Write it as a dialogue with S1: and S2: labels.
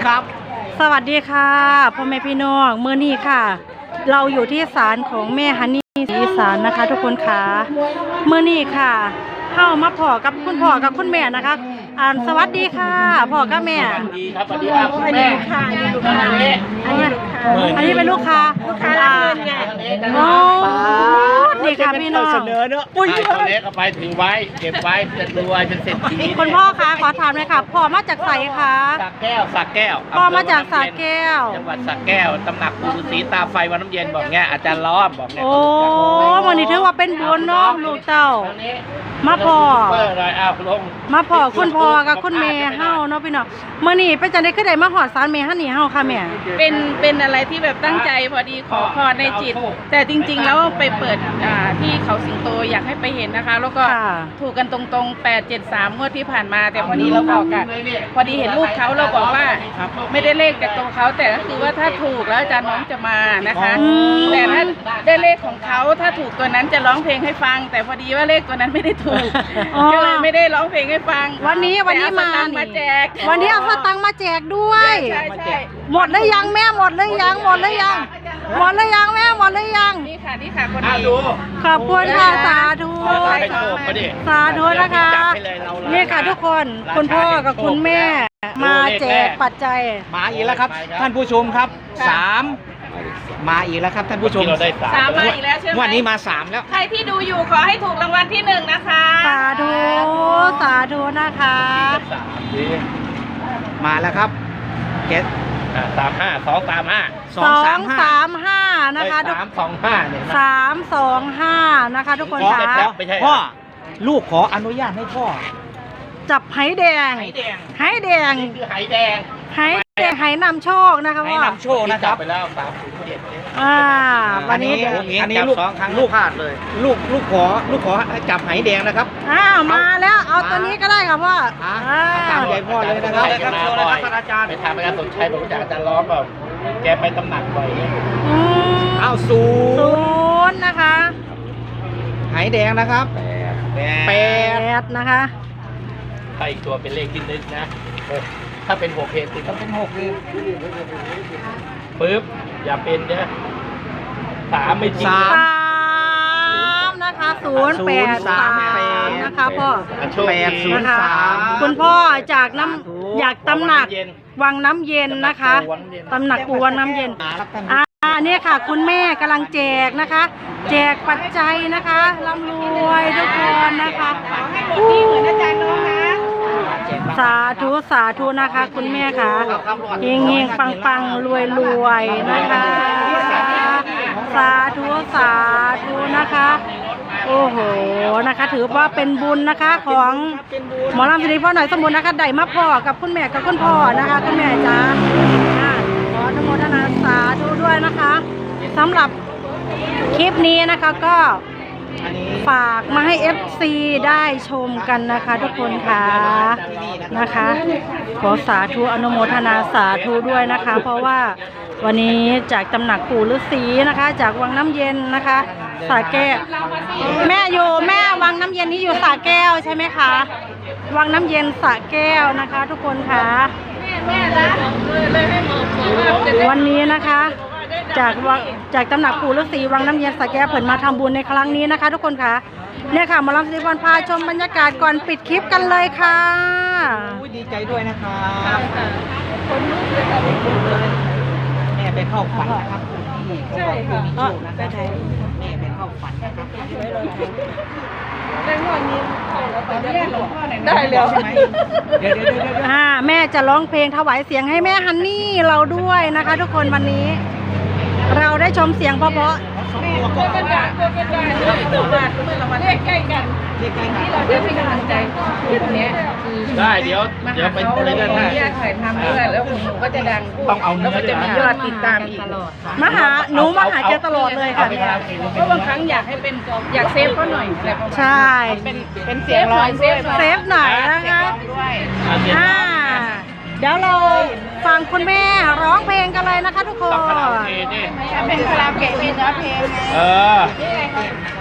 S1: ครับ
S2: สวัสดีค่ะพ่อแม่พี่น้องมื้อนี้ค่ะ เราอยู่ที่ศาลของแม่ฮันนี่ศรีอีสานนะคะ ทุกคนค่ะมื้อนี้ค่ะเข้ามาพ่อกับคุณพ่อกับคุณแม่นะคะสวัสดีค่ะพ่อกับแม่
S1: สวัสดีครับสวัสดีครับคุณแม่
S2: อันนี้เป็นลูกค้ารับเงินไงโอ้นี่ค่ะพี่น้อง
S1: เสนอเนอะอุ้ยเล็กเอาไปถือไว้เก็บไว้จะรวยเป็นเศรษฐี
S2: คุณพ่อคะขอถามเลยค่ะพ่อมาจากไสคะ
S1: สระแก้ว
S2: พ่อมาจากสระแก้ว
S1: จังหวัดสระแก้วตำหนักปู่ฤาษีตาไฟวัดน้ำเย็นบอกเงี้ยอาจารย์ล้อมบอกเงี้ย
S2: โอ้วันนี้ถือว่าเป็นบุญเนาะลูกเต้ามาพ่อมาพ่อคุณพ่อกับคุณแม่เฮาเนาะพี่น้องมื้อนี้เป็นจังได๋คือได้มาฮอดศาลแม่ฮันนี่เฮาค่ะแม่
S3: เป็นอะไรที่แบบตั้งใจพอดีขอพรในจิตแต่จริงๆแล้วไปเปิดที่เขาสิงโตอยากให้ไปเห็นนะคะแล้วก็ถูกกันตรงๆ873งวดที่ผ่านมาแต่พอดีเราบอกกันพอดีเห็นรูปเขาเราบอกว่าไม่ได้เลขจากตัวเขาแต่ก็คือว่าถ้าถูกแล้วอาจารย์น้องจะมานะคะแต่ถ้าได้เลขของเขาถ้าถูกตัวนั้นจะร้องเพลงให้ฟังแต่พอดีว่าเลขตัวนั้นไม่ได้ถูกก็เลยไม่ได้ร้องเพลงให้ฟัง
S2: วันนี้
S3: มาแจก
S2: วันนี้เอาสตังค์มาแจกด้วยหมดแล้วยังแม่หมดแล้วยังแม่หมดแล้วยัง
S3: นี่ค่ะคนนี้
S2: ขอบคุณค่ะสาธุนะคะนี่ค่ะทุกคนคุณพ่อกับคุณแม่มาแจกปัจจัย
S4: มาอีกแล้วครับท่านผู้ชมครับมาอีกแล้วครับท่านผู้ชม
S3: 3มาอีกแล้วใช่ไหม
S4: วันนี้มา3แล้ว
S3: ใครที่ดูอยู่ขอให้ถูกรางวัลที่1นะคะ
S2: สาธุนะคะ
S4: มาแล้วครับเกต
S1: 235
S2: นะคะ
S1: 325เนี่ย
S2: 325นะคะทุกคนค่ะ
S4: พ่อลูกขออนุญาตให้พ่อ
S2: จับไหแดง
S1: นี่คือไหแดง
S2: ไหนำโชคนะคะพ่อ
S4: ไหนำโชคนะครับ
S1: ไปแล้ว
S2: วันนี้
S4: อันนี้ลูกพลาดเลยลูกขอจับไหแดงนะครับ
S2: มาแล้วเอาตัวนี้ก็ได้ค่ะพ่อ
S4: ตามใจพ่อเลยนะครับอาจารย์
S1: ไปทำอาจารย์สมชัยบอกจากอาจารย์ล้อมแบบแกไปตำหนักบ่อย
S4: เอา
S2: 0นะคะ
S4: ไหแดงนะครับ
S2: 8นะคะ
S1: ถ้าอีกตัวเป็นเลขที่นึกนะถ้าเป็น6เพจติดต้องเป็น6เลยปึ๊บอย่าเป็นเนี่ย3ไม่จริง
S2: 3นะคะ083นะคะพ่อ
S4: 803
S2: นะคะคุณพ่อจากอยากตำหนักวังน้ำเย็นนะคะตำหนักปูวังน้ำเย็นเนี่ยค่ะคุณแม่กำลังแจกนะคะแจกปัจจัยนะคะร่ำรวยทุกคนนะคะ
S3: เหมือนอาจารย์น้องนะ
S2: สาธุนะคะคุณแม่ค่ะเฮงปังรวยนะคะสาธุนะคะโอ้โหนะคะถือว่าเป็นบุญนะคะของหมอลำสิริพ่อหน่อยสมบูรณ์นะคะได้มาพ่อกับคุณแม่กับคุณพ่อนะคะคุณแม่จ้าขออนุโมทนาสาธุด้วยนะคะสำหรับคลิปนี้นะคะก็ฝากมาให้ FC ได้ชมกันนะคะทุกคนค่ะนะคะขอสาธุอนุโมทนาสาธุด้วยนะคะเพราะว่าวันนี้จากตำหนักปู่ฤาษีนะคะจากวังน้ำเย็นนะคะสระแก้วแม่วังน้ำเย็นนี้อยู่สระแก้วใช่ไหมคะวังน้ำเย็นสระแก้วนะคะทุกคนค่ะวันนี้นะคะจากตำหนักปู่ฤาษีวังน้ำเย็นสระแก้วเพิ่นมาทำบุญในครั้งนี้นะคะทุกคนค่ะเนี่ยค่ะหมอลำสิริพรพาชมบรรยากาศก่อนปิดคลิปกันเลยค่ะ
S4: ดีใจด้วยนะครับแม่ไปเข้าฝันนะครับใช่ค่ะไปไทยแม่ไปเข้าฝันนะครับ
S3: ได้แล้วใช่ไหม
S4: เดี๋ยว
S2: แม่จะร้องเพลงถวายเสียงให้แม่ฮันนี่เราด้วยนะคะทุกคนวันนี้เราได้ชมเสียงเพราะ
S3: เลขใกล้กันที่เราได้เป็นกำลังใจคลิปนี้
S1: ได้เดี๋ยวไปเลยกันนะ
S3: ถ่ายทำด้วยแล้วหนูก็จะดัง
S1: ต้องเอา
S3: แล้วก็จะมียอดติดตามอีก
S2: มาหาแกตลอดเลยค่ะ
S3: เพราะบางครั้งอยากให้เป็นอยากเซฟเขาหน่อยอะไรประมาณ
S2: ใช่
S3: เป็นเสียงร้อง
S2: เซฟหน่อยนะคะเดี๋ยวเราฟังคุณแม่ร้องเพลงกันเลยนะคะทุกคน
S3: เป็นคาราโอเกะเป็นเนื้อเพลง